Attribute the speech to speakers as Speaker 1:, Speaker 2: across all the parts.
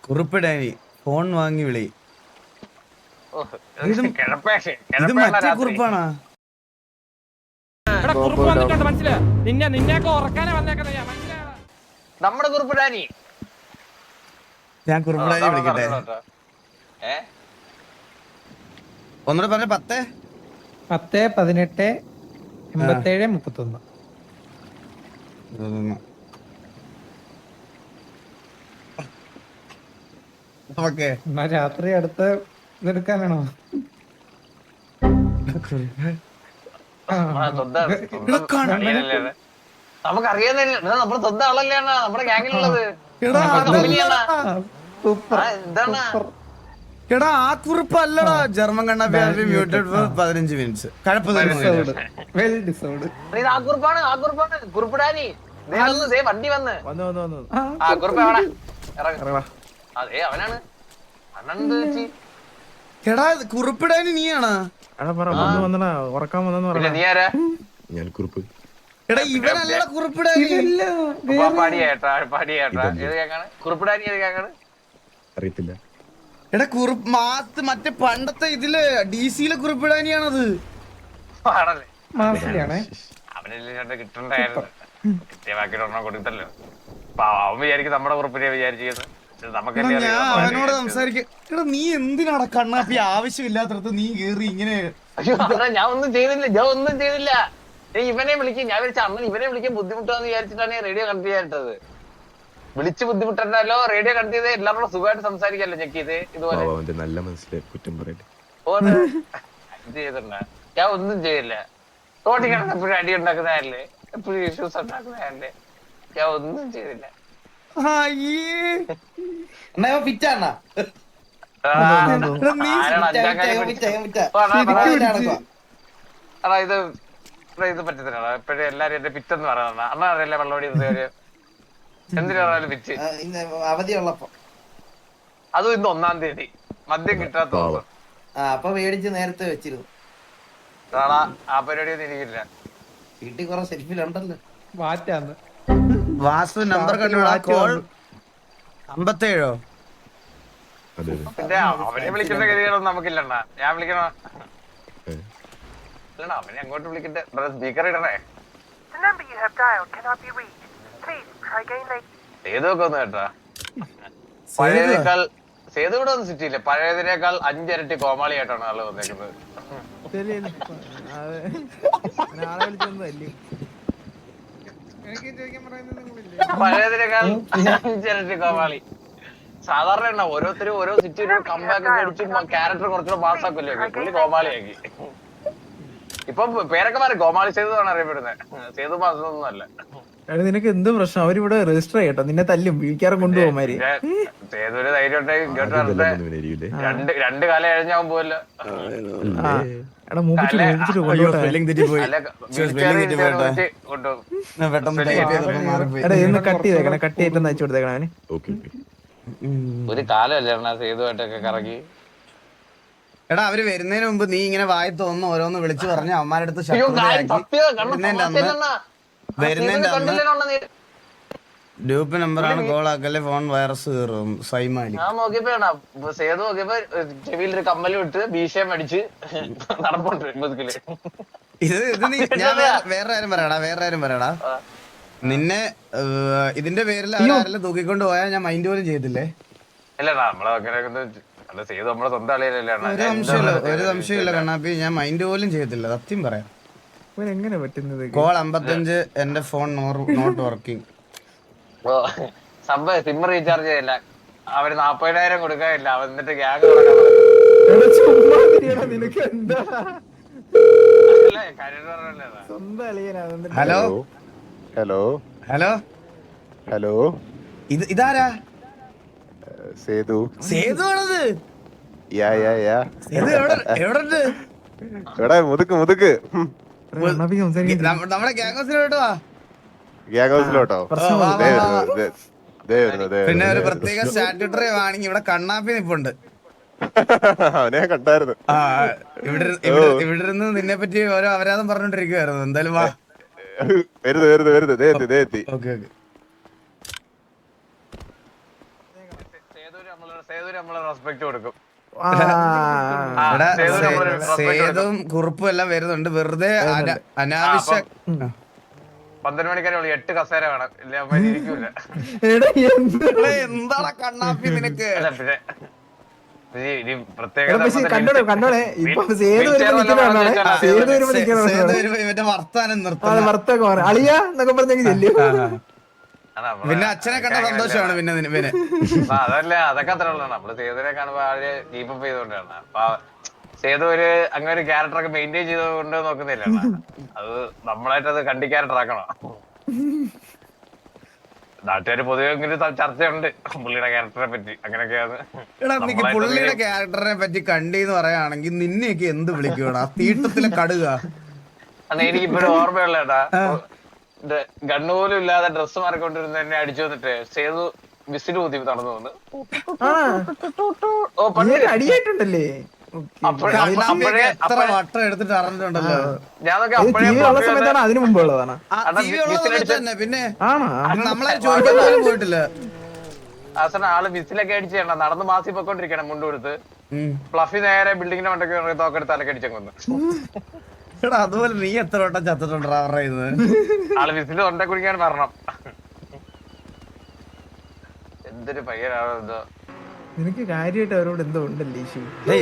Speaker 1: കുറിപ്പിടാനി phone വാങ്ങി വിളി. ഇത് മറ്റേ കുറിപ്പാണാ?
Speaker 2: നമ്മുടെ കുറിപ്പിടാനി.
Speaker 1: ഞാൻ കുറിപ്പിടാനി വിളിക്കട്ടെ. ഒന്നുകൂടെ പറഞ്ഞ 10
Speaker 3: 10 18 87 31.
Speaker 1: ഓക്കെ.
Speaker 3: എന്നാ രാത്രി അടുത്ത് ഇതെടുക്കാനാണോ?
Speaker 2: നമുക്കറിയാന്നില്ല, നമ്മുടെ സ്വന്തം ആളല്ലേ നമ്മുടെ ഗ്യാങ്ങിലുള്ളത്.
Speaker 1: എടാ ആ കുറിപ്പ് അല്ലടാ. ജർമ്മൻ കണ്ണാപ്പി മ്യൂട്ടഡ് ഫോർ 15 മിനിറ്റ്സ്.
Speaker 2: ആ കുറിപ്പാണ്, ആ കുറിപ്പാണ് കുറിപ്പിടാനി. വണ്ടി വന്ന് ആ കുറിപ്പ് എവിടെ ഇറങ്ങ? അതെ അവനാണ്. അണ്ണൻ
Speaker 1: എടാ കുറിപ്പിടാനി നീയാണാ?
Speaker 2: നീ ആരാ?
Speaker 4: ഞാൻ കുറിപ്പ്.
Speaker 1: എടാ ഇവനല്ലടാ കുറിപ്പിടാനി.
Speaker 2: പാടിയേട്ടാ പാടിയേട്ടാ. ഏത് കേക്കാണ് കുറിപ്പിടാനി? ഏത് കേക്കാണ്
Speaker 4: അറിയത്തില്ല.
Speaker 1: എടാ കുറിപ്പ് മാത്ത് മറ്റേ പണ്ടത്തെ ഇതില് DC-യിലെ കുറിപ്പിടാനിയാണത്.
Speaker 2: പാടല്ലേ
Speaker 3: മാസിലാണേ.
Speaker 2: അവനെല്ലാം കിട്ടണ്ടായിരുന്നു. കൃത്യമാക്കിട്ട് ഒരെണ്ണം കൊടുത്തല്ലോ. അവൻ വിചാരിക്കും നമ്മുടെ കുറിപ്പിനെ വിചാരിച്ചിരുന്നു.
Speaker 1: ഞാൻ അവനോട് സംസാരിക്കാ. നീ എന്തിനാടാ കണ്ണാപ്പി ആവശ്യമില്ലാത്തടത്ത് നീ കേറി ഇങ്ങനെ?
Speaker 2: ഞാൻ ഒന്നും ചെയ്തില്ല, ഞാൻ ഒന്നും ചെയ്തില്ല. ഇവനെ വിളിക്കും. ഞാൻ വിളിച്ച അമ്മ ഇവനെ വിളിക്കാൻ ബുദ്ധിമുട്ടാന്ന് വിചാരിച്ചിട്ടാണ് റേഡിയോ കണക്ട് ചെയ്യാനിട്ടത്. വിളിച്ച് ബുദ്ധിമുട്ടല്ലോ. റേഡിയോ കണക്ട് ചെയ്ത് എല്ലാവരോടും സുഖമായിട്ട് സംസാരിക്കാല്ലോ. ചെക്ക് ചെയ്ത് ഇതുപോലെ
Speaker 4: നല്ല മനസ്സിലായി കുറ്റം പറയട്ടെ.
Speaker 2: ഇത് ചെയ്തിട്ടുണ്ട. ഞാൻ ഒന്നും ചെയ്തില്ല. റോട്ടിൽ കിടന്ന് എപ്പോഴും അടി ഉണ്ടാക്കുന്നതല്ലേ, എപ്പോഴും ഇഷ്യൂസ് ഉണ്ടാക്കുന്നതല്ലേ. ഞാൻ ഒന്നും ചെയ്തില്ല. ഇത് പറ്റത്തില്ല. എപ്പോഴും എല്ലാരും എന്റെ പിറ്റെന്ന് പറയുന്ന അണ്ണ അറിയില്ല. വെള്ളോടി എന്തിനാണാലും പിറ്റ്
Speaker 5: അവധിയുള്ളപ്പോ.
Speaker 2: അതും ഇന്ന് 1-ാം തീയതി മദ്യം കിട്ടാത്ത
Speaker 5: അപ്പൊ മേടിച്ച് നേരത്തെ വെച്ചിരുന്നു.
Speaker 2: ആ പരിപാടിയൊന്നും എനിക്കില്ല.
Speaker 5: വീട്ടിൽ കുറെ സെൽഫിലുണ്ടല്ലോ.
Speaker 3: വാറ്റാന്ന്
Speaker 1: വാസു നമ്പർ കണ്ടുപിടാ. കോൾ 57.
Speaker 2: പിന്നെ അവനെ വിളിക്കേണ്ട ഗതികളൊന്നും നമുക്കില്ലണ്ണ. ഞാൻ വിളിക്കണോ? അവനെ അങ്ങോട്ട് വിളിക്കട്ടെ. സ്പീക്കർ ഇടണേ. സേതുവൊക്കെ ഒന്ന് കേട്ടാ. പഴയതിനേക്കാൾ സേതു കൂടെ ഒന്നും സിറ്റിയില്ല. പഴയതിനേക്കാൾ 5 ഇരട്ടി കോമാളിയായിട്ടാണ് ആള് വന്നേക്കുന്നത്. പഴയതിനേക്കാൾ 5 ഇരട്ടി കോമാളി. സാധാരണ ഓരോരുത്തരും ഓരോ സിറ്റിയിലും കമ്പാക്ക് അടിച്ച് ക്യാരക്ടർ കുറച്ചുകൂടെ മാസാക്കല്ലോ. പുള്ളി കോമാളിയാക്കി. ഇപ്പൊ പേരൊക്കെ മാറി. കോമാളി സേതുവാണ് അറിയപ്പെടുന്നത്. സേതു മാസൊന്നും അല്ല.
Speaker 6: നിനക്ക് എന്ത് പ്രശ്നം? അവരിവിടെ രജിസ്റ്റർ ചെയ്യട്ടോ. നിന്നെ തല്ലും വീക്കാരം കൊണ്ടുപോകുമാര്.
Speaker 2: സേതുവിന് ധൈര്യം ഉണ്ടെങ്കിൽ ഇങ്ങോട്ട് വരട്ടെ. രണ്ട് കാലം കഴിഞ്ഞാവും പോവല്ലോ.
Speaker 6: എടാ മൂപ്പിച്ചിട്ട് എടാ ഇന്ന് കട്ട് ചെയ്തേക്കണേ. കട്ട് ചെയ്തിട്ട് അയച്ചു കൊടുത്തേക്കണേ അവന്.
Speaker 2: ഒരു കാലമല്ലേ സേതുവായിട്ടൊക്കെ കറങ്ങി.
Speaker 1: എടാ അവര് വരുന്നതിന് മുമ്പ് നീ ഇങ്ങനെ വായി തോന്നുന്നു ഓരോന്ന് വിളിച്ചു പറഞ്ഞ് അമ്മാരുടെ അടുത്ത് ഗ്രൂപ്പ് നമ്പറാണ്. കോൾ ആക്കല്ലേ, ഫോൺ വൈറസ് കയറും. സൈമാലി
Speaker 2: ഞാൻ നോക്കിയപ്പോ സേതു നോക്കിയപ്പോ ചെവിയിലൊരു കമ്മലും ഇട്ട് ഭീഷയം അടിച്ച് നടപ്പുണ്ട് മുതുകില്.
Speaker 1: ഇത് ഞാൻ വേറെ കാര്യം പറയടാ. നിന്നെ ഇതിന്റെ പേരിൽ അവരാരെല്ലാം തൂക്കിക്കൊണ്ട് പോയാൽ ഞാൻ മൈൻഡ് പോലും ചെയ്തില്ലേ?
Speaker 2: അല്ലടാ നമ്മളെ സേതു നമ്മളെ സ്വന്തം അളിയല്ലേ.
Speaker 1: ഒരു സംശയമില്ല കണ്ണാപ്പി, ഞാൻ മൈൻഡ് പോലും ചെയ്തില്ല. സത്യം പറയാം.
Speaker 6: എങ്ങനെ പറ്റുന്നത്?
Speaker 1: കോൾ 55 എന്റെ ഫോൺ നോട്ട് വർക്കിംഗ്.
Speaker 2: സംഭവം സിം റീചാർജ് ചെയ്യില്ല. അവര് 40,000 കൊടുക്കാനില്ല. എന്നിട്ട് gang
Speaker 1: hello
Speaker 4: hello
Speaker 1: hello
Speaker 4: hello.
Speaker 1: ഇതാരാ?
Speaker 4: സേതു.
Speaker 1: സേതു ആണത്? എവിടെ?
Speaker 4: എടാ മുതുക്ക്
Speaker 1: നമ്മുടെ ഗ്യാങ് ഹൗസിലോട്ടോ.
Speaker 4: ഗ്യാങ് ഹൗസിലോട്ടോ?
Speaker 1: പിന്നെ ഒരു പ്രത്യേക സ്റ്റാറ്റ്യൂട്ടറി ആണെങ്കിൽ ഇവിടെ കണ്ണാപ്പി നിപ്പുണ്ട്.
Speaker 4: അവനെ കണ്ടായിരുന്നു.
Speaker 1: ഇവിടെ ഇരുന്ന് നിന്നെ പറ്റി ഓരോ അപരാധം പറഞ്ഞോണ്ടിരിക്കുവായിരുന്നു. എന്തായാലും വാ.
Speaker 4: വരുന്നു.
Speaker 1: ഓക്കെ.
Speaker 2: സേതുവിന് നമ്മള് റെസ്പെക്ട് കൊടുക്കും.
Speaker 6: ആ,
Speaker 1: എടാ,
Speaker 2: സേതു നമ്മളൊരു respect
Speaker 1: സേതും കുറുപ്പും എല്ലാം വരുന്നുണ്ട് വെറുതെ അനാവശ്യ
Speaker 2: 12 മണിക്കാരെ 8 കസേര വേണം, ഇല്ല അവന്മാര് ഇരിക്കൂല.
Speaker 6: എടാ, എന്ത്?
Speaker 1: എന്താണ് കണ്ണാപ്പി നിനക്ക്?
Speaker 2: അല്ല പിന്നെ ഇനി പ്രത്യേക
Speaker 6: എടാ, പക്ഷേ കണ്ടോളെ ഇപ്പൊ സേതു വരുമ്പോ നിൽക്കുന്നതാണ്. സേതു വരുമ്പോ
Speaker 1: സേതു
Speaker 6: നിൽക്കുന്നതാണ്.
Speaker 1: വരുമ്പോ ഇവന്റെ വർത്താനം
Speaker 6: അത്
Speaker 1: നിർത്തണം.
Speaker 6: ഭർത്താവ് അളിയ എന്നൊക്കെ പറഞ്ഞെങ്കിൽ ചെല്ലും.
Speaker 1: പിന്നെ അച്ഛനെ കണ്ട സന്തോഷമാണ് പിന്നെ ഇവന്.
Speaker 2: അതല്ല, അതൊക്കെ അത്ര ഉള്ളതാണ്. നമ്മള് സേതുവിനെ കാണുമ്പോ ആര് കീപ്പപ്പ് ചെയ്തോണ്ടാണ്. അപ്പൊ സേതു അങ്ങനെ ഒരു ക്യാരക്ടറൊക്കെ മെയിൻറ്റെയിൻ ചെയ്തുകൊണ്ട് നോക്കുന്നില്ല. അത് നമ്മളായിട്ട് അത് കണ്ടി ക്യാരക്ടർ ആക്കണം. നാട്ടുകാര് പൊതുവെ ഇങ്ങനെ ചർച്ചയുണ്ട് പുള്ളിയുടെ ക്യാരക്ടറെ പറ്റി, അങ്ങനെയൊക്കെയാണ്.
Speaker 1: എടാ, നീ പുള്ളിയുടെ ക്യാരക്ടറിനെ പറ്റി കണ്ടീന്ന് പറയുകയാണെങ്കിൽ നിന്നെയൊക്കെ എന്ത് വിളിക്കണം? ആ തീട്ടത്തിലെ കടുക.
Speaker 2: അന്ന് എനിക്കിപ്പോഴും ഓർമ്മയുള്ള ഏട്ടാ, ഗണ്ണുപോലും ഇല്ലാതെ ഡ്രസ്സ് മാറിക്കൊണ്ടിരുന്ന എന്നെ അടിച്ചു വന്നിട്ട് സേതു വിസിൽ ഊതി നടന്നു വന്ന്. ഓ പണ്ട്
Speaker 6: അടിയായിട്ടുണ്ടല്ലേ?
Speaker 1: എത്ര വട്ടം എടുത്തിട്ട് അറിഞ്ഞിട്ടുണ്ടല്ലോ.
Speaker 2: ഞാനൊക്കെ
Speaker 6: TV ഉള്ള സമയത്താണ് അതിനു മുമ്പ് ഉള്ളതാണ്.
Speaker 1: തന്നെ പിന്നെ
Speaker 6: ആണോ?
Speaker 1: നമ്മളെ ചോദിക്കാൻ പോലും പോയിട്ടില്ല.
Speaker 2: അവസാനം ആള് വിസിലൊക്കെ അടിച്ച് നടന്ന് മാസി പൊക്കോണ്ടിരിക്കണം മുണ്ട് കൊടുത്ത്. ഫ്ലഫി നേരെ ബിൽഡിങ്ങിന്റെ മണ്ടൊക്കെ തോക്കെടുത്ത് തലക്ക് അടിച്ചു കൊന്നു.
Speaker 1: എടാ, അതുപോലെ നീ എത്ര വട്ടം ചത്തിട്ടുണ്ടാ പറയുന്നത്?
Speaker 2: ആള് വിസില് തൊണ്ട കുടിക്കാൻ പറഞ്ഞു. എന്തൊരു പയ്യനാണോ എന്തോ.
Speaker 6: നിനക്ക് കാര്യമായിട്ട് അവരോട് എന്തോ ഉണ്ടല്ലേ ഇഷ്യൂ?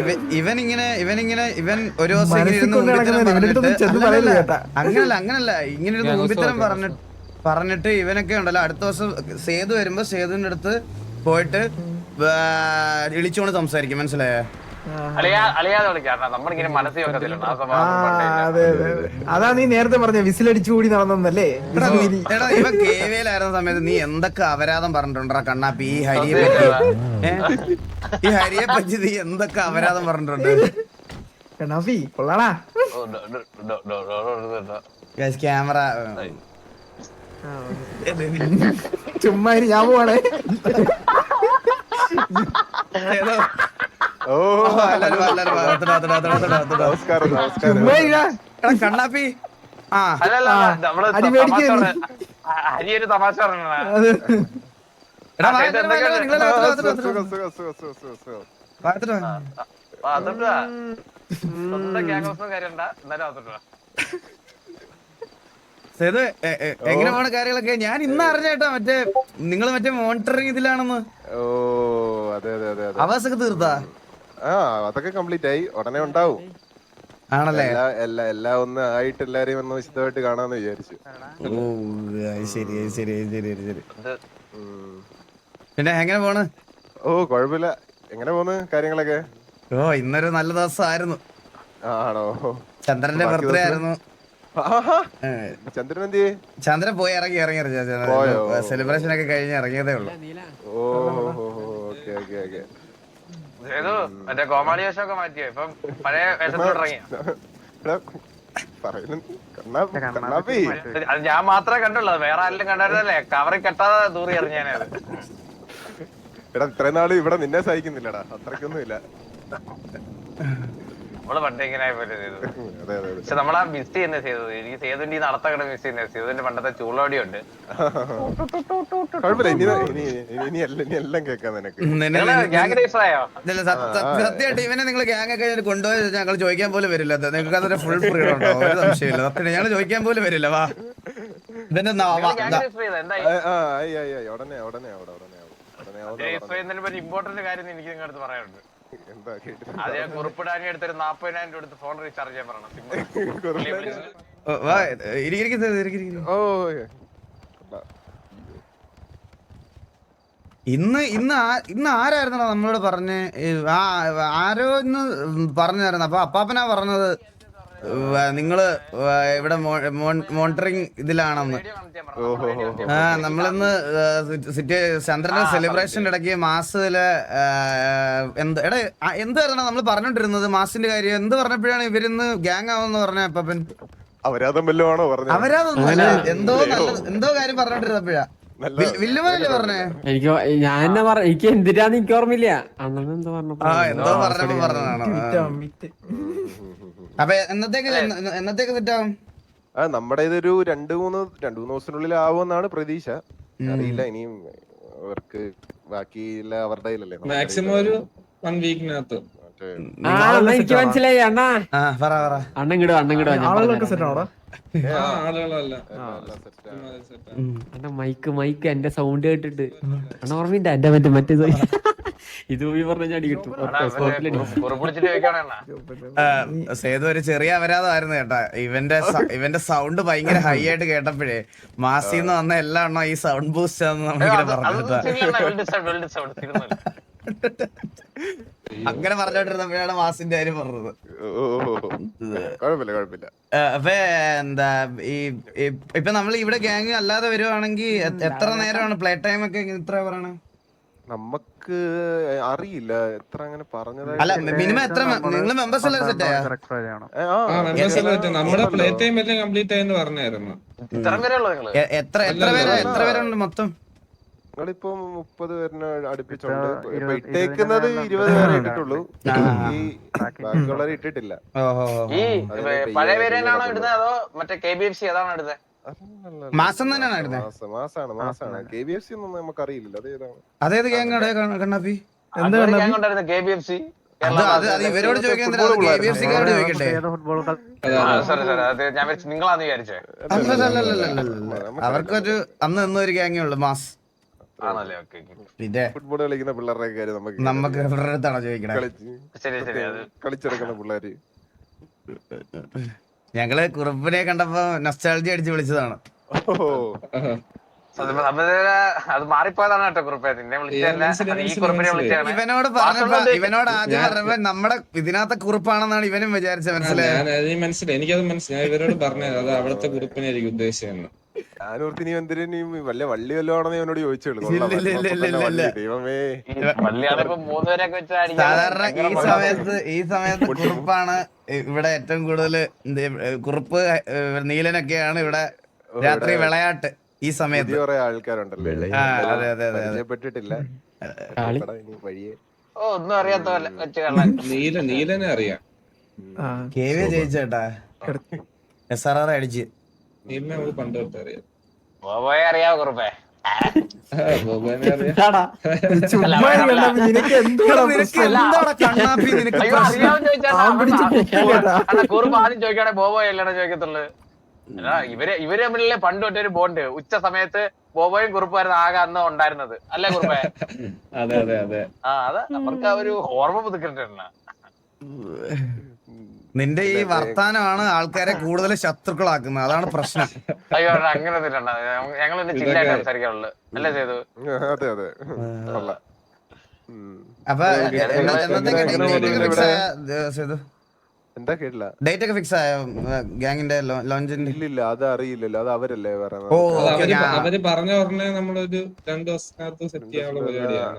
Speaker 1: ഇവൻ ഒരു ദിവസം ഇങ്ങനെ ഇരുന്ന് ഊമ്പിത്തരം പറഞ്ഞിട്ട് അങ്ങനല്ല ഇങ്ങനെ ഇരുന്ന് ഊമ്പിത്തരം പറഞ്ഞിട്ട് ഇവനൊക്കെ ഉണ്ടല്ലോ, അടുത്ത ദിവസം സേതു വരുമ്പോ സേതുവിന്റെ അടുത്ത് പോയിട്ട് ഇളിച്ചോണ്ട് സംസാരിക്കും, മനസ്സിലായോ?
Speaker 2: അളിയാതെ വിളിക്കാം, നമ്മളിങ്ങനെ മനസ്സിൽ വെക്കത്തില്ല.
Speaker 6: അതെ അതാ നീ നേരത്തെ പറഞ്ഞ വിസിലടിച്ചു കൂടി നടന്നല്ലേ?
Speaker 1: എടാ, ഇവ കേവയിലായിരുന്ന സമയത്ത് നീ എന്തൊക്കെ അപരാധം പറഞ്ഞിട്ടുണ്ടാ കണ്ണാപ്പി? ഈ ഹരിയെ പറ്റി നീ എന്തൊക്കെ അപരാധം പറഞ്ഞിട്ടുണ്ട്?
Speaker 6: കണ്ണാപ്പി കൊള്ളാടാ.
Speaker 1: ക്യാമറ
Speaker 6: ചുമ്മാ ഞാൻ പോവാണേ.
Speaker 4: ഓ നമസ്കാരം
Speaker 6: ചുമ്മാ ഇടാ.
Speaker 1: കണ്ണാപ്പി. ആ
Speaker 2: ഹരിയൊരു തമാശ പറഞ്ഞാ
Speaker 1: എടാ, നിങ്ങളെ സേതു എങ്ങനെ പോണ കാര്യങ്ങളൊക്കെ ഞാൻ ഇന്ന് അറിഞ്ഞേട്ടാ. മറ്റേ നിങ്ങള് മറ്റേ മോണിറ്ററിങ് ഇതിലാണെന്ന്.
Speaker 4: ഓ അതെ അതെ അതെ അതെ.
Speaker 1: അവസൊക്കെ തീർത്താ?
Speaker 4: ആ, അതൊക്കെ കംപ്ലീറ്റ് ആയി. ഉടനെ ഉണ്ടാവും.
Speaker 1: ആണല്ലേ?
Speaker 4: എല്ലാം ഒന്ന് ആയിട്ട് എല്ലാരെയും ഒന്ന് വിശദമായിട്ട് കാണാന്ന് വിചാരിച്ചു.
Speaker 1: ഓ ശരി ശരി ശരി ശരി. പിന്നെ എങ്ങനെ പോണ്?
Speaker 4: ഓ കുഴപ്പമില്ല. എങ്ങനെ പോന്ന് കാര്യങ്ങളൊക്കെ?
Speaker 1: ഓ, ഇന്നൊരു നല്ല ദിവസമായിരുന്നു.
Speaker 4: ആണോ?
Speaker 1: ചന്ദ്രന്റെ ബർത്ത്ഡേ ആയിരുന്നു.
Speaker 4: ചന്ദ്രൻ എന്തിയെ?
Speaker 1: ചന്ദ്രൻ പോയി ഇറങ്ങി സെലിബ്രേഷൻ ഒക്കെ കഴിഞ്ഞ് ഇറങ്ങിയതേ ഉള്ളൂ.
Speaker 4: ഓ ഓക്കെ ഓക്കെ ഓക്കെ.
Speaker 2: മറ്റേ കോമാളി വേഷമൊക്കെ മാറ്റിയോ? ഇപ്പം പഴയ വേഷത്തോട് ഇറങ്ങിയ? അത് ഞാൻ മാത്രമേ കണ്ടുള്ളൂ, വേറെ ആരെങ്കിലും കണ്ടായിരുന്നല്ലേ? കവറി കെട്ടാതെ ദൂരി എറിഞ്ഞാനത്.
Speaker 4: എടാ, ഇത്രയും നാള് ഇവിടെ നിന്നെ സഹിക്കുന്നില്ലടാ, അത്രക്കൊന്നും ഇല്ല.
Speaker 2: നമ്മള് പണ്ട് ഇങ്ങനെ പക്ഷെ നമ്മളാ മിസ് ചെയ്യുന്ന ചെയ്തത്. എനിക്ക് സേതുവിന്റെ ഈ നടത്തക്കട മിസ് ചെയ്യുന്നത്. സേതുവിന്റെ പണ്ടത്തെ ചൂളോടിയുണ്ട്.
Speaker 4: ഇനി എല്ലാം കേൾക്കാം നിനക്ക്.
Speaker 1: സത്യമായിട്ട് ഇവനെ നിങ്ങൾ ഗ്യാങ് ഒക്കെ കൊണ്ടുപോയി ഞങ്ങൾ ചോദിക്കാൻ പോലും വരില്ല. നിങ്ങൾക്ക് അതൊരു ഫുൾ ഫ്രീഡം ഉണ്ടോ? ഒരു സംശയമില്ല. സത്യം ഞങ്ങൾ ചോദിക്കാൻ പോലും വരില്ല. വാ, ഇതിന്റെ
Speaker 2: ഇമ്പോർട്ടന്റ് കാര്യം എനിക്ക് നിങ്ങളുടെ പറയാനുണ്ട്. അതെ, കുറിപ്പിടാനി എടുത്തൊരു 40,000 രൂപ എടുത്ത് ഫോൺ റീചാർജ് ചെയ്യാൻ പറയണം.
Speaker 1: ഇന്ന് ആരായിരുന്നോ നമ്മളോട് പറഞ്ഞേ? ആരോ ഇന്ന് പറഞ്ഞായിരുന്നു. അപ്പൊ അപ്പാപ്പനാ പറഞ്ഞത് നിങ്ങള് ഇവിടെ മോണിറ്ററിങ് ഇതിലാണെന്ന്. നമ്മളിന്ന് ചന്ദ്രന്റെ സെലിബ്രേഷന്റെ ഇടയ്ക്ക് മാസത്തില് എന്തായിരുന്നു നമ്മൾ പറഞ്ഞോണ്ടിരുന്നത്? മാസിന്റെ കാര്യം എന്ത് പറഞ്ഞപ്പോഴാണ് ഇവരിന്ന് ഗ്യാങ് ആവെന്ന് പറഞ്ഞ അപ്പാപ്പൻ?
Speaker 4: അപരാധം വല്ലതുമാണോ പറഞ്ഞത്?
Speaker 1: അപരാധമൊന്നുമല്ല, എന്തോ കാര്യം പറഞ്ഞോണ്ടിരുന്നപ്പോഴാ വില്ലുമല്ലേ പറഞ്ഞേ?
Speaker 7: എനിക്ക് എന്തിനാന്ന് എനിക്ക് ഓർമ്മയില്ല. അണ്ണൻ എന്തോ
Speaker 1: പറഞ്ഞപ്പോ പറഞ്ഞതാണ്. അപ്പൊ എന്നത്തേക്ക് സെറ്റാവും?
Speaker 4: നമ്മുടെ ഇതൊരു 2-3 ദിവസത്തിനുള്ളിൽ ആവുമെന്നാണ് പ്രതീക്ഷ. അറിയില്ല, ഇനിയും അവർക്ക് ബാക്കിയില്ല അവരുടെ കയ്യിലല്ലേ
Speaker 8: മാക്സിമം ഒരു 1 വീക്കിനകത്ത്.
Speaker 7: എനിക്ക് മനസ്സിലായി അണ്ണാ.
Speaker 1: ആ പറ പറ.
Speaker 7: അണ്ണൻ കിടുവാ
Speaker 6: ആളുകളൊക്കെ സെറ്റ് ആണോടാ?
Speaker 8: ആളുകളല്ല
Speaker 7: അണ്ണ മൈക്ക് എന്റെ സൗണ്ട് കേട്ടിട്ട് അണ്ണ ഓർമ്മയില്ല എന്റെ മറ്റേ ഇത് പോയി പറഞ്ഞ അടി കിട്ടും.
Speaker 2: കുറിപ്പിടിച്ചിട്ട് ചോദിക്കണ
Speaker 1: സേതു ഒരു ചെറിയ അപരാധമായിരുന്നു കേട്ടാ. ഇവന്റെ സൗണ്ട് ഭയങ്കര ഹൈ ആയിട്ട് കേട്ടപ്പോഴേ മാസിന്ന് വന്ന എല്ലാ എണ്ണ ഈ സൗണ്ട് ബൂസ്റ്റ് ആണെന്ന് നമ്മളിങ്ങനെ പറഞ്ഞു. അങ്ങനെ പറഞ്ഞോണ്ടിരുന്നപ്പോഴാണ് മാസിന്റെ കാര്യം പറഞ്ഞത്.
Speaker 4: കുഴപ്പമില്ല.
Speaker 1: അപ്പൊ എന്താ ഇപ്പൊ നമ്മൾ ഇവിടെ ഗ്യാങ് അല്ലാതെ വരുവാണെങ്കിൽ എത്ര നേരമാണ് പ്ലേ ടൈം ഒക്കെ ഇത്ര പറയണേ?
Speaker 4: നമുക്ക് അറിയില്ല എത്ര അങ്ങനെ പറഞ്ഞതായി.
Speaker 1: അല്ല മിനിമം എത്ര നിങ്ങൾ മെമ്പേഴ്സ് എല്ലാം സെറ്റ് ആയോ?
Speaker 8: നമ്മുടെ പ്ലേ ടൈം എല്ലാം കംപ്ലീറ്റ് ആയെന്ന് പറഞ്ഞായിരുന്നു.
Speaker 2: ഇത്ര വരെ ഉള്ളൂ നിങ്ങള്?
Speaker 1: എത്ര പേരുണ്ട് മൊത്തം?
Speaker 4: ഞങ്ങളിപ്പോ 30 പേരിനെ അടുപ്പിച്ചുണ്ട്. ഇപ്പൊ ഇട്ടേക്കുന്നത് 20 പേരെ ഇട്ടിട്ടുള്ളൂ. ഈ ബാക്കിയുള്ളവരെ ഇട്ടിട്ടില്ല.
Speaker 2: ഈ പഴയ പേരാണോ ഇടുന്നത് അതോ മറ്റേ KBFC ഏതാണോ ഇടുന്നത്?
Speaker 1: മാസം തന്നെയാണ് ഇടുന്നത്.
Speaker 4: മാസാണ്. KBFC ഒന്നും നമുക്ക് അറിയില്ല അതേതാണ്.
Speaker 1: അതേത് ഗ്യാങ്ങാണ് കണ്ണാപ്പി?
Speaker 2: KBFC.
Speaker 1: അത് ഇവരോട് ചോദിക്കാൻ KBFC-ക്കാരോട് ചോദിക്കട്ടെ.
Speaker 2: ഞാൻ നിങ്ങളാന്ന് വിചാരിച്ചേ.
Speaker 1: അവർക്കൊരു അന്ന് ഒരു ഗ്യാങ്ങേ ഉള്ളു മാസ്. പിന്നെ
Speaker 4: ഫുട്ബോൾ കളിക്കുന്ന പിള്ളേരുടെ കാര്യം
Speaker 1: നമുക്ക് ഇവരുടെ അടുത്താണോ ചോദിക്കണേ?
Speaker 4: കളിച്ചെടുക്കുന്ന പിള്ളേര്.
Speaker 1: ഞങ്ങള് കുറുപ്പിനെ കണ്ടപ്പോ നൊസ്റ്റാൾജി അടിച്ച് വിളിച്ചതാണ്.
Speaker 2: അത് മാറിപ്പോയതാണ് കേട്ടോ കുറുപ്പേ. നിന്നെ വിളിച്ചതല്ല, ഈ കുറുപ്പിനെ വിളിച്ചാണ്.
Speaker 1: ഇവനോട് ആദ്യം പറഞ്ഞപ്പോ നമ്മുടെ ഇതിനകത്തെ കുറുപ്പാണെന്നാണ് ഇവനും വിചാരിച്ചത്. മനസ്സിലായി?
Speaker 8: മനസ്സിലായി, എനിക്കത് മനസ്സിലായി. ഇവരോട് പറഞ്ഞത് അത് അവിടുത്തെ കുറിപ്പിനെ എനിക്ക് ഉദ്ദേശിച്ചത്.
Speaker 4: ഞാനോർത്തി നീ എന്തിനു വല്ല വള്ളി വല്ലതാണെന്ന് എന്നോട് ചോദിച്ചുള്ളൂ.
Speaker 1: സാധാരണ ഈ സമയത്ത് കുറുപ്പാണ് ഇവിടെ ഏറ്റവും കൂടുതൽ. കുറുപ്പ് നീലനൊക്കെയാണ് ഇവിടെ രാത്രി വിളയാട്ട്. ഈ സമയത്ത്
Speaker 4: കുറെ ആൾക്കാരുണ്ടല്ലോ. പരിചയപ്പെട്ടിട്ടില്ല. വഴിയെ
Speaker 2: ഒന്നും അറിയാത്ത
Speaker 8: നീലനെ അറിയാം.
Speaker 1: KV ജയിച്ചേട്ടാ. SRR അടിച്ച്.
Speaker 8: നീലിനെ നമുക്ക് പണ്ട് തൊട്ട് അറിയാം.
Speaker 2: അറിയാവോ കുറുപ്പേ? കുറുപ്പ് ആദ്യം ചോദിക്കാണെ ബോബോയ് അല്ലാണോ ചോദിക്കത്തുള്ളു. ഇവര് തമ്മിലല്ലേ പണ്ട് തൊട്ടൊരു ബോണ്ട്. ഉച്ച സമയത്ത് ബോബോയും കുറുപ്പായിരുന്നു ആകെ അന്ന് ഉണ്ടായിരുന്നത്, അല്ലേ കുറുപ്പേ?
Speaker 7: അതെ അതെ അതെ.
Speaker 2: അത് അവർക്ക് ആ ഒരു ഓർമ്മ പുതുക്കിട്ടുണ്ട്.
Speaker 1: നിന്റെ ഈ വർത്താനമാണ് ആൾക്കാരെ കൂടുതൽ ശത്രുക്കളാക്കുന്നത്. അതാണ് പ്രശ്നം.
Speaker 2: അയ്യോ അങ്ങനെ ഞങ്ങൾ ചില്ലായിട്ട് സംസാരിക്കാറുള്ളു, അല്ലേ ചെയ്തു?
Speaker 4: അതെ അതെ.
Speaker 1: അപ്പൊ
Speaker 4: എന്താ കേട്ടില്ല.
Speaker 1: ഡേറ്റ് ഒക്കെ ഫിക്സ് ആയോ ഗ്യാങ്ങിന്റെ ലോഞ്ചിന്റെ?
Speaker 4: ഇല്ലില്ല, അത് അറിയില്ലല്ലോ. അത് അവരല്ലേ പറയുന്നത്.
Speaker 8: അവര് പറഞ്ഞ ഉടനെ നമ്മളൊരു 2 ദിവസത്തിനകത്ത് സെറ്റ് ചെയ്യാനുള്ള പരിപാടിയാണ്.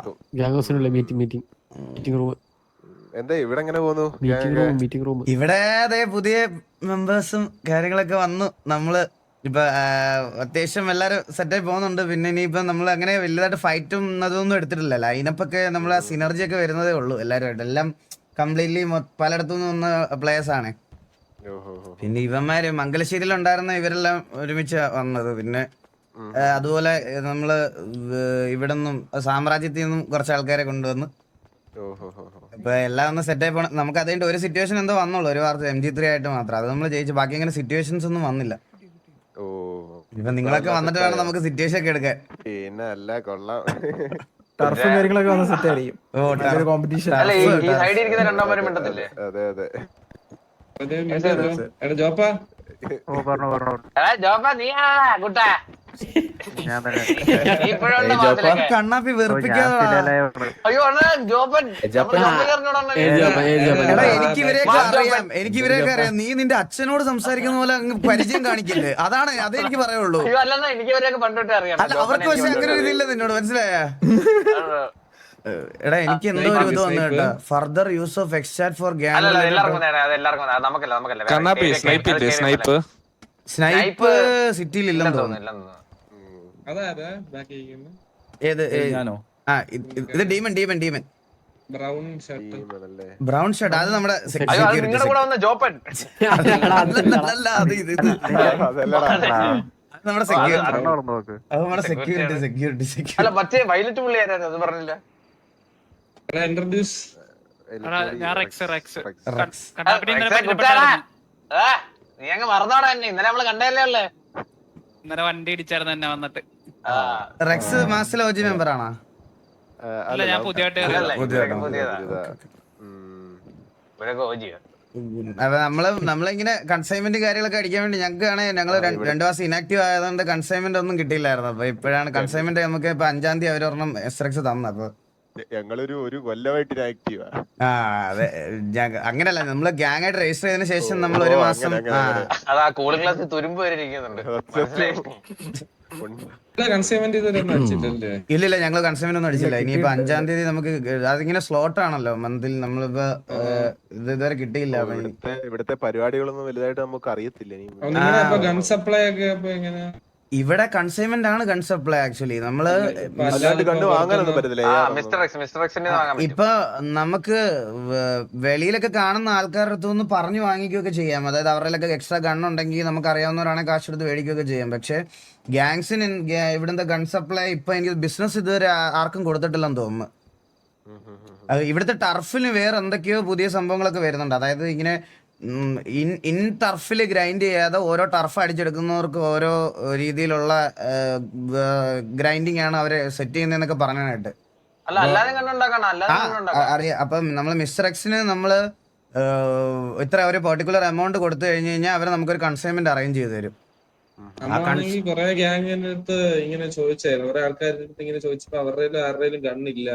Speaker 7: Meeting room.
Speaker 4: എന്താ ഇവിടെ എങ്ങനെ പോകുന്നു?
Speaker 7: മീറ്റിംഗ് റൂം
Speaker 1: ഇവിടെ അതെ പുതിയ മെമ്പേഴ്സും കാര്യങ്ങളൊക്കെ വന്നു. നമ്മള് ഇപ്പൊ അത്യാവശ്യം എല്ലാരും സെറ്റായി പോകുന്നുണ്ട്. പിന്നെ ഇനിയിപ്പൊ നമ്മൾ അങ്ങനെ വലുതായിട്ട് ഫൈറ്റും അതൊന്നും എടുത്തിട്ടില്ല. ലൈനപ്പൊക്കെ നമ്മളെ സിനർജി ഒക്കെ വരുന്നതേ ഉള്ളൂ എല്ലാവരുമായിട്ട്. എല്ലാം കംപ്ലീറ്റ്ലി പലയിടത്തുനിന്ന് വന്ന പ്ലേയേഴ്സ് ആണ്. പിന്നെ ഇവന്മാര് മംഗലശ്ശേരിയിലുണ്ടായിരുന്ന ഇവരെല്ലാം ഒരുമിച്ച് വന്നത്. പിന്നെ അതുപോലെ നമ്മള് ഇവിടെ നിന്നും സാമ്രാജ്യത്തിൽ നിന്നും കുറച്ച് ആൾക്കാരെ കൊണ്ടുവന്ന് ഇപ്പൊ എല്ലാം ഒന്ന് സെറ്റ് ആയി പോണം. നമുക്ക് അതിന്റെ ഒരു സിറ്റുവേഷൻ എന്തോ വന്നുള്ളൂ, ഒരു വാർത്ത MG3 ആയിട്ട് മാത്രം. അത് നമ്മൾ ജയിച്ചു. ബാക്കി അങ്ങനെ സിറ്റുവേഷൻസ് ഒന്നും വന്നില്ല. ഇപ്പൊ നിങ്ങളൊക്കെ വന്നിട്ട് വേണം നമുക്ക് സിറ്റുവേഷൻ ഒക്കെ എടുക്കാൻ.
Speaker 4: പിന്നെ അല്ല കൊള്ളാം.
Speaker 6: ടർഫും കാര്യങ്ങളൊക്കെ വന്ന് സെറ്റ് ആയിരിക്കും. കോമ്പറ്റീഷൻ.
Speaker 4: അതെ അതെ.
Speaker 8: ജോപ്പാ
Speaker 1: കണ്ണാപ്പി വെറുപ്പിക്കാതെ. എനിക്ക് ഇവരെയൊക്കെ അറിയാം. നീ നിന്റെ അച്ഛനോട് സംസാരിക്കുന്ന പോലെ അങ്ങ് പരിചയം കാണിക്കില്ലേ? അതാണ് അതേ എനിക്ക് പറയുള്ളൂ. അല്ല അവർക്ക് പക്ഷെ അങ്ങനെ ഒരു ഇതില്ല നിന്നോട്, മനസ്സിലായ? എടാ എനിക്ക് എന്തോ ഒരു ഇത് വന്നു കേട്ടോ. Further use of exchat for gang. Snipe സിറ്റിയിൽ ഇല്ലെന്ന് തോന്നുന്നു. ഏത്? ഇത് ഡീമൻ. ബ്രൗൺ ഷർട്ട് അത് നമ്മുടെ അത് നമ്മുടെ
Speaker 2: അത്
Speaker 1: സെക്യൂരിറ്റി
Speaker 2: അത്
Speaker 1: അത് നമ്മുടെ സെക്യൂരിറ്റി
Speaker 2: Security
Speaker 1: സെക്യൂരിറ്റി
Speaker 2: അല്ല മറ്റേ വയലറ്റ് പുള്ളി ആരായിരുന്നു അത് പറഞ്ഞില്ല.
Speaker 8: ഇൻട്രൊഡ്യൂസ്
Speaker 9: ഞാൻ റെക്സ്
Speaker 1: റെക്സ്.
Speaker 2: റെക്സേ കുറ്റാടാ. നീ അങ്ങ് മറന്നോടാ എന്നെ. ഇന്നലെ നമ്മള് കണ്ടല്ലേ ഉള്ളേ.
Speaker 9: ഇന്നലെ വണ്ടി ഇടിച്ചായിരുന്നു എന്നെ വന്നിട്ട്.
Speaker 1: റെക്സ് മാസ്റ്റർ ലോജി മെമ്പർ ആണോ?
Speaker 9: അല്ല ഞാൻ പുതിയതായിട്ട്
Speaker 2: അല്ലല്ല,
Speaker 1: പുതിയതാണോ?
Speaker 2: പുതിയതാ. ഇവരൊക്കെ ഓജിയാ.
Speaker 1: അപ്പൊ നമ്മളിങ്ങനെ കൺസൈൻമെന്റ് കാര്യങ്ങളൊക്കെ അടിക്കാൻ വേണ്ടി ഞങ്ങൾക്ക് ഞങ്ങൾ 2 മാസം ഇനാക്റ്റീവ് ആയതുകൊണ്ട് കൺസൈൻമെന്റ് ഒന്നും കിട്ടിയില്ലായിരുന്നു. അപ്പൊ ഇപ്പോഴാണ് കൺസൈൻമെന്റ് നമുക്ക് ഇപ്പൊ 5-ാം തീയതി അവരൊരെണ്ണം എസ്ട്രക്സ് തന്നു. അപ്പൊ
Speaker 4: ഞങ്ങളൊരു കൊല്ലമായിട്ട് ആക്റ്റീവാ.
Speaker 1: ആ അതെ, അങ്ങനല്ല, നമ്മള് ഗ്യാങ് ആയിട്ട് രജിസ്റ്റർ ചെയ്തതിനു ശേഷം നമ്മൾ ഒരു മാസം
Speaker 2: അതാ കൂളിംഗ് ഗ്ലാസ് തുരുമ്പ് വരെ ഇരിക്കുന്നുണ്ട്.
Speaker 8: കൺസ്യൂമെന്റ് ഇതൊന്നും അടിച്ചിട്ടല്ലേ?
Speaker 1: ഇല്ലില്ല, ഞങ്ങൾ കൺസൈൻമെന്റ് ഒന്നും അടിച്ചില്ല. ഇനിയിപ്പോ 5-ാം തീയതി നമുക്ക് അതിങ്ങനെ സ്ലോട്ട് ആണല്ലോ മന്തിൽ, നമ്മളിപ്പോ ഇത് ഇതുവരെ കിട്ടിയില്ല.
Speaker 4: ഇവിടുത്തെ പരിപാടികളൊന്നും വലുതായിട്ട് നമുക്ക് അറിയത്തില്ല.
Speaker 8: നിങ്ങളുടെ ഗൺ സപ്ലൈ ഒക്കെ അപ്പൊ എങ്ങനെ?
Speaker 1: ഇവിടെ കൺസൈൻമെന്റ് ആണ് ഗൺ സപ്ലൈ. ആക്ച്വലി നമ്മള് ഇപ്പൊ നമുക്ക് വെളിയിലൊക്കെ കാണുന്ന ആൾക്കാരുടെ അടുത്തുനിന്ന് പറഞ്ഞു വാങ്ങിക്കുകയൊക്കെ ചെയ്യാം. അതായത് അവരിലൊക്കെ എക്സ്ട്രാ ഗൺ ഉണ്ടെങ്കിൽ നമുക്ക് അറിയാവുന്നവരാണെങ്കിൽ കാശ് എടുത്ത് മേടിക്കുകയൊക്കെ ചെയ്യാം. പക്ഷെ ഗ്യാങ്സിന് ഇവിടുത്തെ ഗൺ സപ്ലൈ ഇപ്പൊ എനിക്ക് ബിസിനസ് ഇതുവരെ ആർക്കും കൊടുത്തിട്ടില്ലെന്ന് തോന്നുന്നു. ഇവിടുത്തെ ടർഫിന് വേറെ എന്തൊക്കെയോ പുതിയ സംഭവങ്ങളൊക്കെ വരുന്നുണ്ട്. അതായത് ഇങ്ങനെ ഇൻ ടർഫിൽ ഗ്രൈൻഡ് ചെയ്യാതെ ഓരോ ടർഫ് അടിച്ചെടുക്കുന്നവർക്ക് ഓരോ രീതിയിലുള്ള ഗ്രൈൻഡിങ് ആണ് അവര് സെറ്റ് ചെയ്യുന്നതെന്നൊക്കെ പറയാനായിട്ട് അറിയാം. അപ്പം നമ്മൾ മിസ്റ്റർ എക്സിന് നമ്മള് ഇത്ര ഒരു പെർട്ടിക്കുലർ എമൗണ്ട് കൊടുത്തു കഴിഞ്ഞു കഴിഞ്ഞാൽ അവര് നമുക്കൊരു കൺസൈൻമെന്റ് അറേഞ്ച് ചെയ്ത് തരും.
Speaker 8: നമ്മളാണെങ്കിൽ കൊറേ ഗ്യാങ്ങിന്റെ അടുത്ത് ഇങ്ങനെ ചോദിച്ചായിരുന്നു. കുറെ ആൾക്കാരുടെ അടുത്ത് ഇങ്ങനെ ചോദിച്ചപ്പോ അവരുടെ ആരുടെയും ഗണ്ണില്ല,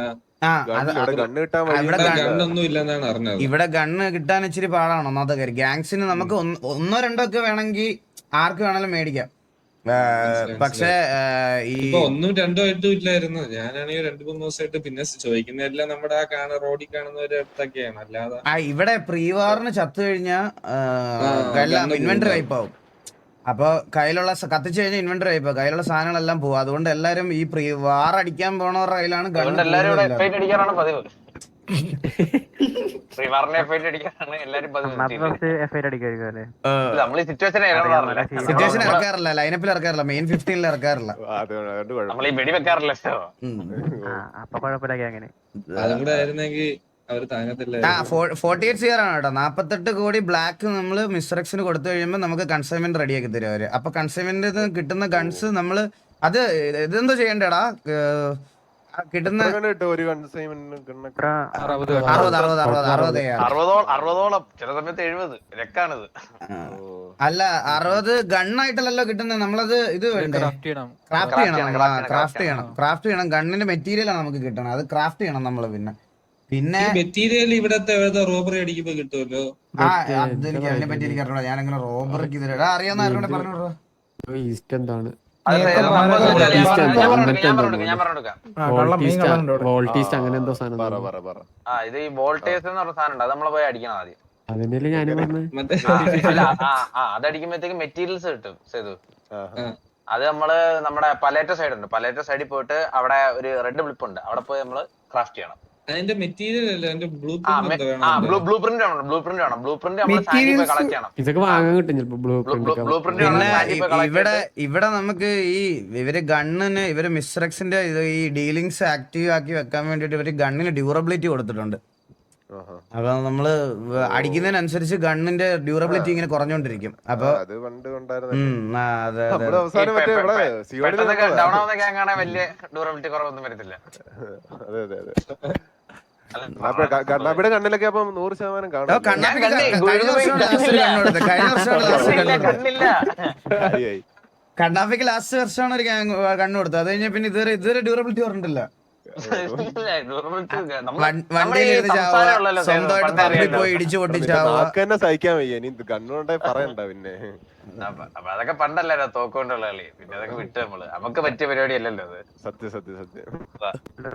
Speaker 8: ഗണ്ണൊന്നും ഇല്ലെന്നാണ് അറിഞ്ഞത്.
Speaker 1: ഇവിടെ ഗണ്ണ് കിട്ടാൻ ഇച്ചിരി പാടാണ് ഒന്നാമത്തെ കാര്യം. ഗ്യാങ്സിന് നമുക്ക് 1-2 ഒക്കെ വേണമെങ്കിൽ ആർക്ക് വേണമെങ്കിലും മേടിക്കാം. പക്ഷേ ഈ
Speaker 8: 1-2 ആയിട്ടും ഇല്ലായിരുന്നു. ഞാനാണെങ്കിൽ 2-3 ദിവസമായിട്ട് പിന്നെ ചോദിക്കുന്നതെല്ലാം നമ്മുടെ ആ റോഡിൽ കാണുന്നവരുടെ അടുത്തൊക്കെയാണ്. അല്ലാതെ
Speaker 1: ഇവിടെ പ്രീവാറിന് ചത്തു കഴിഞ്ഞാൽ ഇൻവെന്ററി വൈപ്പ് ആവും. അപ്പൊ കയ്യിലുള്ള കത്തിച്ചു കഴിഞ്ഞാൽ ഇൻവെന്ററി ആയിപ്പോ കയ്യിലുള്ള സാധനങ്ങളെല്ലാം പോകും. അതുകൊണ്ട് എല്ലാരും ഈ വാർ അടിക്കാൻ പോണവരുടെ കയ്യിലാണ് സിറ്റുവേഷൻ ഇറക്കാറില്ല, ലൈനപ്പിൽ ഇറക്കാറില്ല, മെയിൻ 15 ഇറക്കാറില്ല.
Speaker 8: അതും കൂടെ ആയിരുന്നെങ്കിൽ അവര് താങ്ങത്തില്ല.
Speaker 1: 48 CR ആണ് കേട്ടോ. 48 കോടി ബ്ലാക്ക് നമ്മള് മിസ്റ്റർ എക്സിന് കൊടുത്തു കഴിയുമ്പോൾ നമുക്ക് കൺസൈൻമെന്റ് റെഡിയാക്കി തരും അവര്. അപ്പൊ കൺസൈൻമെന്റ് കിട്ടുന്ന ഗൺസ് നമ്മള് അത് ഇതെന്തോ ചെയ്യണ്ടേടാ, കിട്ടുന്ന
Speaker 2: 60-ഓളം ചില സമയത്ത് 70 രക്കാണിത്.
Speaker 1: അല്ല 60 ഗണ്ണായിട്ടല്ലോ കിട്ടുന്നത്. നമ്മളത് ഇത് വേണ്ടേ, ക്രാഫ്റ്റ് ചെയ്യണം. ഗണ്ണിന്റെ മെറ്റീരിയൽ ആണ് നമുക്ക് കിട്ടണം, അത് ക്രാഫ്റ്റ് ചെയ്യണം നമ്മള്. പിന്നെ
Speaker 8: മെറ്റീരിയൽ ഇവിടത്തെ റോബറി അടിക്കുമ്പോ കിട്ടുമല്ലോ.
Speaker 1: അതെനിക്ക് അതിനെ പറ്റി എനിക്ക് അറിഞ്ഞൂടാ. ഞാനങ്ങനെ റോബറിക്ക് ഇതിലാ അറിയാവുന്ന ആരോടെ പറഞ്ഞോടാ.
Speaker 7: ഈസ്റ്റ് എന്താണ് വോൾട്ടീസ്റ്റ് അങ്ങനെ എന്തോ സാധനം.
Speaker 2: ഇത് ഈ വോൾട്ടേഴ്സ് എന്ന് പറഞ്ഞ സാധനം ഉണ്ട്, അത് നമ്മള് പോയി അടിക്കണം ആദ്യം.
Speaker 7: അതിനല്ലേ ഞാനും പറഞ്ഞത്.
Speaker 2: അതടിക്കുമ്പോഴത്തേക്ക് മെറ്റീരിയൽസ് കിട്ടും സേതു. അത് നമ്മള് നമ്മുടെ പലേറ്റ സൈഡ് ഉണ്ട്, പലേറ്റ സൈഡിൽ പോയിട്ട് അവിടെ ഒരു റെഡ് ബ്ലിപ്പ് ഉണ്ട്, അവിടെ പോയി നമ്മള് ക്രാഫ്റ്റ് ചെയ്യണം.
Speaker 8: അതിന്റെ മെറ്റീരിയൽ അല്ല, അതിന്റെ ബ്ലൂ പ്രിന്റ്
Speaker 2: വേണം. ബ്ലൂ പ്രിന്റ് നമ്മള് സാൻഡിൽ പോയി കളക്ട് ചെയ്യണം.
Speaker 7: ഇതൊക്കെ വാങ്ങാൻ കിട്ടും ചിലപ്പോ
Speaker 2: ബ്ലൂ പ്രിന്റ്.
Speaker 1: പിന്നെ ഇവിടെ നമുക്ക് ഇവര് ഗണ്ണിന് ഇവര് മിസ്റ്റർ എക്സിന്റെ ഈ ഡീലിങ്സ് ആക്റ്റീവ് ആക്കി വെക്കാൻ വേണ്ടിട്ട് ഇവര് ഗണ്ണിന് ഡ്യൂറബിലിറ്റി കൊടുത്തിട്ടുണ്ട്. അപ്പൊ നമ്മള് അടിക്കുന്നതിനനുസരിച്ച് ഗണ്ണിന്റെ ഡ്യൂറബിലിറ്റി ഇങ്ങനെ കുറഞ്ഞോണ്ടിരിക്കും. അപ്പൊ
Speaker 2: വലിയ ഡ്യൂറബിലിറ്റി കുറവൊന്നും വരത്തില്ല.
Speaker 4: കണ്ണാപ്പിയുടെ കണ്ണിലൊക്കെ അപ്പം 100% കാണും.
Speaker 1: കണ്ണാപ്പിക്ക് ലാസ്റ്റ് വർഷമാണ് ഒരു കണ്ണു കൊടുത്തത്. അത് കഴിഞ്ഞാൽ പിന്നെ ഇതുവരെ ഡ്യൂറബിലിറ്റി പറഞ്ഞിട്ടില്ല. സ്വന്തമായിട്ട് പോയി ഇടിച്ചു പൊട്ടിച്ചാവുക
Speaker 4: സഹിക്കാൻ വയ്യ. ഇനി കണ്ണുകൊണ്ടേ പറയണ്ട. പിന്നെ
Speaker 2: അതൊക്കെ പണ്ടല്ലോ തോക്കൊണ്ടുള്ള കളി. പിന്നെ അതൊക്കെ വിട്ട് നമുക്ക് പറ്റിയ പരിപാടി അല്ലല്ലോ അത്.
Speaker 4: സത്യം.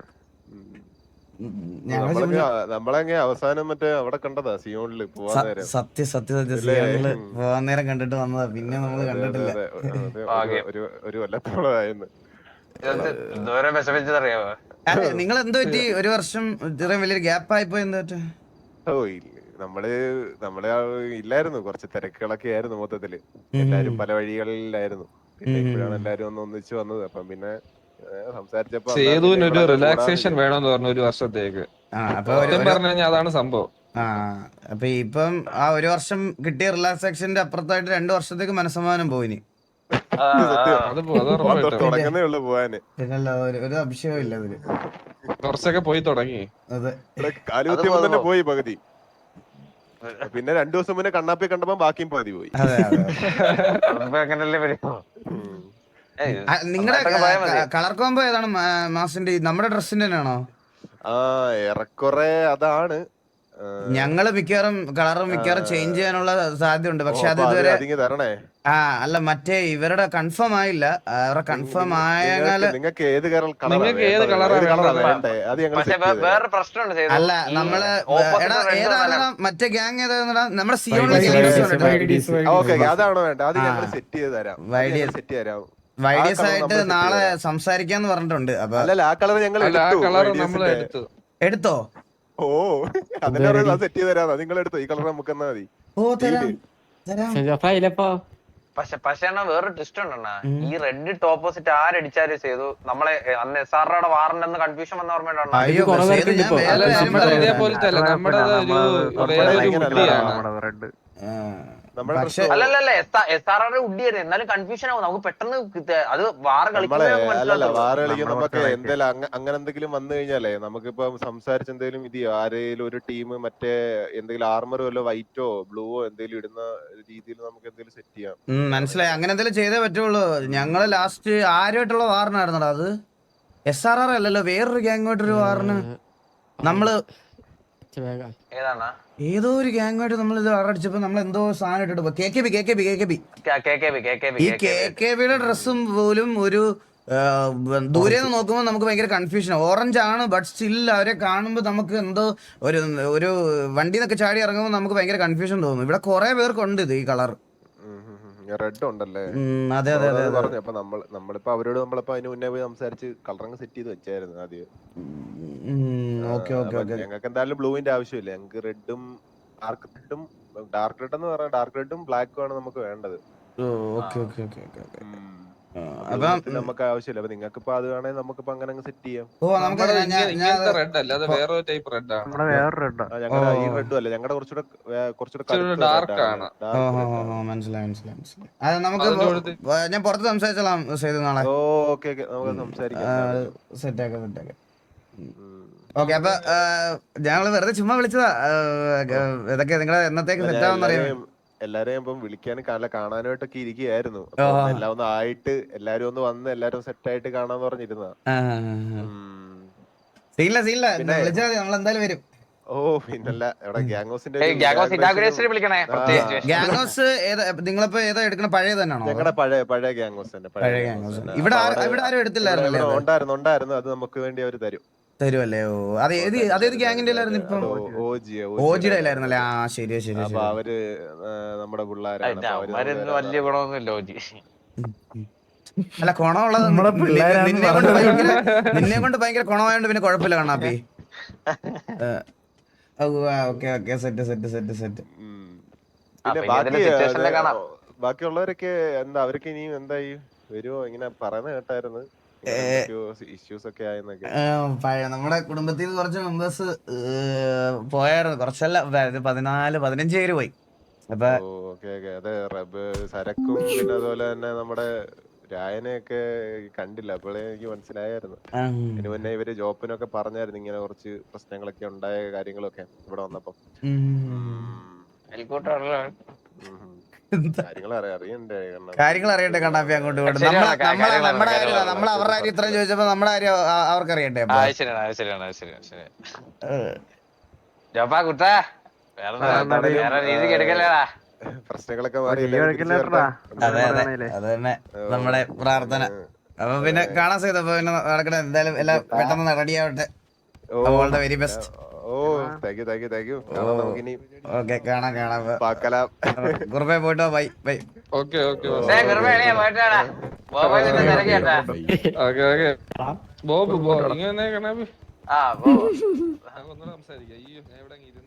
Speaker 4: നമ്മളെങ്ങ അവസാനം മറ്റേ അവിടെ കണ്ടതാ സിയോണില് പോവാൻ നേരം.
Speaker 1: സത്യങ്ങള് പോവാൻ നേരം കണ്ടിട്ട് വന്നതാ, പിന്നെ നമ്മള് കണ്ടിട്ടില്ല.
Speaker 4: ഒരു കൊല്ലത്തോളമായിരുന്നു.
Speaker 2: എന്തോരം വിഷമിച്ചതറിയാവോ.
Speaker 1: നിങ്ങൾ എന്ത് പറ്റി ഒരു വർഷം ഇത്രയും വലിയൊരു ഗ്യാപ്പ് ആയിപ്പോ? എന്താ
Speaker 4: നമ്മള് ഇല്ലായിരുന്നു, കുറച്ച് തിരക്കുകളൊക്കെ ആയിരുന്നു മൊത്തത്തില്. എല്ലാരും പല വഴികളിലായിരുന്നു. പിന്നെ ഇപ്പോഴാണ് എല്ലാരും ഒന്ന് ഒന്നിച്ച് വന്നത്. അപ്പം പിന്നെ സംസാരിച്ചപ്പോ
Speaker 8: സേതുവിനൊരു റിലാക്സേഷൻ വേണമെന്ന് പറഞ്ഞു ഒരു വർഷത്തേക്ക്.
Speaker 1: അപ്പൊ
Speaker 8: പറഞ്ഞു കഴിഞ്ഞാൽ അതാണ് സംഭവം.
Speaker 1: അപ്പൊ ഇപ്പം ആ ഒരു വർഷം കിട്ടിയ റിലാക്സേഷന്റെ അപ്പുറത്തായിട്ട് 2 വർഷത്തേക്ക് മനസ്സമാനം പോയിനി.
Speaker 4: തുടങ്ങുന്നേ ഉള്ളു പോവാന്.
Speaker 1: പിന്നല്ല ഒരു അഭിഷേകം ഇല്ല അതില്.
Speaker 8: കുറച്ചൊക്കെ പോയി തുടങ്ങി.
Speaker 1: അതെ,
Speaker 4: കാലുകുത്തിയപ്പോ തന്നെ പോയി പകുതി. പിന്നെ 2 ദിവസം മുന്നേ കണ്ണാപ്പി കണ്ടപ്പോ ബാക്കിയും പകുതി പോയി.
Speaker 1: അതെ അതെ.
Speaker 2: അങ്ങനല്ലേ വരുമോ?
Speaker 1: നിങ്ങളുടെ കളർ കോംബോ ഏതാണ് മാസിന്റെ? നമ്മുടെ ഡ്രസ്സിന്റെ തന്നെയാണോ?
Speaker 4: ഏറെക്കുറെ അതാണ്.
Speaker 1: ഞങ്ങള് മിക്കവാറും കളറും ചേഞ്ച് ചെയ്യാനുള്ള സാധ്യത ഉണ്ട്. പക്ഷെ അത് ഇതുവരെ
Speaker 4: തരണേ.
Speaker 1: അല്ല മറ്റേ ഇവരുടെ കൺഫേം ആയില്ല. അവരുടെ കൺഫേം ആയാല്
Speaker 4: നിങ്ങൾക്ക് ഏത്
Speaker 2: വേറെ പ്രശ്നമുണ്ട്.
Speaker 1: അല്ല നമ്മള് ഏതാണ് മറ്റേ ഗ്യാങ് ഏതാ? നമ്മുടെ സിയോണിലെ
Speaker 4: അതാണോ വേണ്ട? അത് ഞങ്ങൾ സെറ്റ് ചെയ്ത് തരാം. സെറ്റ് തരാം.
Speaker 1: വൈഡിയസ് ആയിട്ട് നാളെ സംസാരിക്കാന്ന് പറഞ്ഞിട്ടുണ്ട്. അപ്പൊ
Speaker 4: അല്ലല്ല, ആ കളർ ഞങ്ങൾ
Speaker 1: എടുത്തോ?
Speaker 4: ഓ അതിനെ സെറ്റ് ചെയ്ത് തരാം. നിങ്ങൾ എടുത്തോ, ഈ കളർ നമുക്ക് എന്നാ മതി.
Speaker 2: പക്ഷെ വേറൊരു ട്വിസ്റ്റ് ഉണ്ടെണ്ണ. ഈ റെഡ് ഇട്ട് ഓപ്പോസിറ്റ് ആരടിച്ചാലും ചെയ്തു നമ്മളെ അന്ന് SRRയുടെ വാറണ്ടെന്ന് കൺഫ്യൂഷൻ വന്ന ഓർമ്മയുണ്ടോ? അല്ലല്ല SRRയുടെ ഉഡിയായിരുന്നു. എന്നാലും കൺഫ്യൂഷൻ ആവും. നമുക്ക് പെട്ടെന്ന് അത് വാറ്
Speaker 4: കളിക്കുമ്പോ എന്തെങ്കിലും അങ്ങനെ എന്തെങ്കിലും വന്നു കഴിഞ്ഞാലേ നമുക്കിപ്പോ സംസാരിച്ച് എന്തെങ്കിലും ഇത് ആരെങ്കിലും ഒരു ടീം മറ്റേ എന്തെങ്കിലും ആർമറോ വല്ലോ വൈറ്റോ ബ്ലൂവോ എന്തെങ്കിലും ഇടുന്ന രീതിയിൽ നമുക്ക് എന്തെങ്കിലും സെറ്റ് ചെയ്യാം.
Speaker 1: മനസ്സിലായി. അങ്ങനെ എന്തെങ്കിലും ചെയ്തേ പറ്റുള്ളൂ. ഞങ്ങള് ലാസ്റ്റ് ആരുമായിട്ടുള്ള വാറിനായിരുന്നടാ അത്? SRR അല്ലല്ലോ, വേറൊരു ഗ്യാങ്ങുമായിട്ടൊരു വാറിന് നമ്മള് ഏതോ ഒരു ഗ്യാങ്ങുമായിട്ട് നമ്മൾ ഇത് അടിച്ചപ്പോ നമ്മൾ എന്തോ സാധനം ഇട്ടിട്ട് ഈ KKBയുടെ ഡ്രസ്സും പോലും ഒരു ദൂരെ നിന്ന് നോക്കുമ്പോൾ നമുക്ക് ഭയങ്കര കൺഫ്യൂഷൻ. ഓറഞ്ച് ആണ്, ബട്ട് സ്റ്റിൽ അവരെ കാണുമ്പോൾ നമുക്ക് എന്തോ ഒരു വണ്ടി നിന്നൊക്കെ ചാടി ഇറങ്ങുമ്പോൾ നമുക്ക് ഭയങ്കര കൺഫ്യൂഷൻ തോന്നും. ഇവിടെ കുറെ പേർക്കുണ്ട് ഇത് ഈ കളർ.
Speaker 4: റെഡ് ഉണ്ടല്ലേ?
Speaker 1: അതെ അതെ അതെ
Speaker 4: പറഞ്ഞു. അപ്പൊ നമ്മളിപ്പോ അവരോട് നമ്മളിപ്പോ അതിന് മുന്നേ പോയി സംസാരിച്ച് കളറങ്ങ് സെറ്റ് ചെയ്ത് വെച്ചായിരുന്നു ആദ്യം. ഞങ്ങൾക്ക് എന്തായാലും ബ്ലൂവിന്റെ ആവശ്യമില്ല. ഞങ്ങൾക്ക് റെഡും ഡാർക്ക് റെഡ് എന്ന് പറഞ്ഞാൽ ഡാർക്ക് റെഡും ബ്ലാക്കും ആണ് നമുക്ക് വേണ്ടത്. നമുക്ക് ആവശ്യമില്ല. അപ്പൊ നിങ്ങൾക്ക് ഇപ്പൊ അത് വേണമെങ്കിൽ നമുക്കിപ്പോ അങ്ങനെ സെറ്റ് ചെയ്യാം.
Speaker 8: റെഡ് അല്ല, അത് വേറൊരു ടൈപ്പ് റെഡ് ആണ്.
Speaker 4: ഞങ്ങളുടെ ഈ റെഡും അല്ല, ഞങ്ങളുടെ കുറച്ചുകൂടെ
Speaker 8: ഡാർക്ക് ആണ്.
Speaker 1: മനസ്സിലായി. അത് നമുക്ക് ഞാൻ പുറത്ത് സംസാരിച്ചോളാം സേതു നാളെ.
Speaker 4: ഓക്കെ നമുക്ക് സംസാരിക്കാം.
Speaker 1: സെറ്റാക്കാം. ഓക്കെ, അപ്പൊ ഞങ്ങള് വെറുതെ ചുമ്മാ വിളിച്ചതാ. ഇതൊക്കെ നിങ്ങളെ എന്നത്തേക്ക് സെറ്റാവെന്നറിയാം.
Speaker 4: എല്ലാരെയും ഇപ്പം വിളിക്കാനും കാണാനായിട്ടൊക്കെ ഇരിക്കുകയായിരുന്നു. എല്ലാം ഒന്ന് ആയിട്ട് എല്ലാരും ഒന്ന് വന്ന് എല്ലാരും സെറ്റ് ആയിട്ട് കാണാന്ന് പറഞ്ഞിരുന്ന.
Speaker 1: നമ്മളെന്തായാലും വരും.
Speaker 4: ഓ പിന്നല്ല, ഇവിടെ ഗ്യാങ്ങോസിന്റെ
Speaker 1: നിങ്ങളിപ്പോ ഏതാ എടുക്കണ? പഴയ തന്നെയാണോ?
Speaker 4: ഞങ്ങളുടെ പഴയ ഗ്യാങ്ങോസ് തന്നെ.
Speaker 1: ഇവിടെ ആരും എടുത്തില്ലായിരുന്നു.
Speaker 4: ഉണ്ടായിരുന്നു. അത് നമുക്ക് വേണ്ടി അവര്
Speaker 1: തരുമല്ലേ? ഓ, അതേത് ഗ്യാങ്ങിന്റെ ഇപ്പം? ഓജിയുടെ ആയിരുന്നല്ലേ? ആ ശരി.
Speaker 4: അപ്പൊ അവര് നമ്മുടെ പിള്ളേരാണ്.
Speaker 2: വലിയ ഗുണമൊന്നുമില്ല ഓജി.
Speaker 1: അല്ല, ഗുണമുള്ളത് നിന്നെ കൊണ്ട് ഭയങ്കര ഗുണമായോണ്ട് പിന്നെ കുഴപ്പമില്ല കണ്ണാപ്പി. Okay set.
Speaker 4: ബാക്കിയുള്ളവരൊക്കെ എന്താ, അവരൊക്കെ ഇനിയും എന്തായി വരുമോ? ഇങ്ങനെ പറയുന്ന കേട്ടായിരുന്നു ഇഷ്യൂസ് ഒക്കെ ആയെന്നൊക്കെ.
Speaker 1: നമ്മുടെ കുടുംബത്തിൽ നിന്ന് കുറച്ച് മെമ്പേഴ്സ് പോയായിരുന്നു. കുറച്ചല്ല, 14-15 പേര് പോയി. അപ്പൊ
Speaker 4: അതെ, സരക്കും പിന്നെ അതുപോലെ തന്നെ നമ്മുടെ രായനെയൊക്കെ കണ്ടില്ല. അപ്പോഴേ എനിക്ക് മനസ്സിലായിരുന്നു. ഇതിനു മുന്നേ ഇവര് ജോപ്പിനൊക്കെ പറഞ്ഞായിരുന്നു ഇങ്ങനെ കുറച്ച് പ്രശ്നങ്ങളൊക്കെ ഉണ്ടായ കാര്യങ്ങളൊക്കെ ഇവിടെ വന്നപ്പോ.
Speaker 1: കാര്യങ്ങൾ അറിയട്ടെ കണ്ണാപ്പി. അങ്ങോട്ട് നമ്മൾ അവരുടെ കാര്യം ഇത്രയും ചോദിച്ചപ്പോ നമ്മുടെ കാര്യം അവർക്ക് അറിയട്ടെ.
Speaker 4: പ്രശ്നങ്ങളൊക്കെ
Speaker 1: അത് തന്നെ നമ്മുടെ പ്രാർത്ഥന. അപ്പൊ പിന്നെ കാണാൻ ചെയ്തു. അപ്പൊ പിന്നെ നടക്കട്ടെ. എന്തായാലും എല്ലാം പെട്ടെന്ന് റെഡി ആവട്ടെ. All the very best.
Speaker 4: Thank you.
Speaker 1: Okay, കാണാം. കുറുപ്പേ പോയിട്ടോ. ബൈ.
Speaker 8: ഓക്കെ ബോബ് ഇങ്ങനെ സംസാരിക്കാം.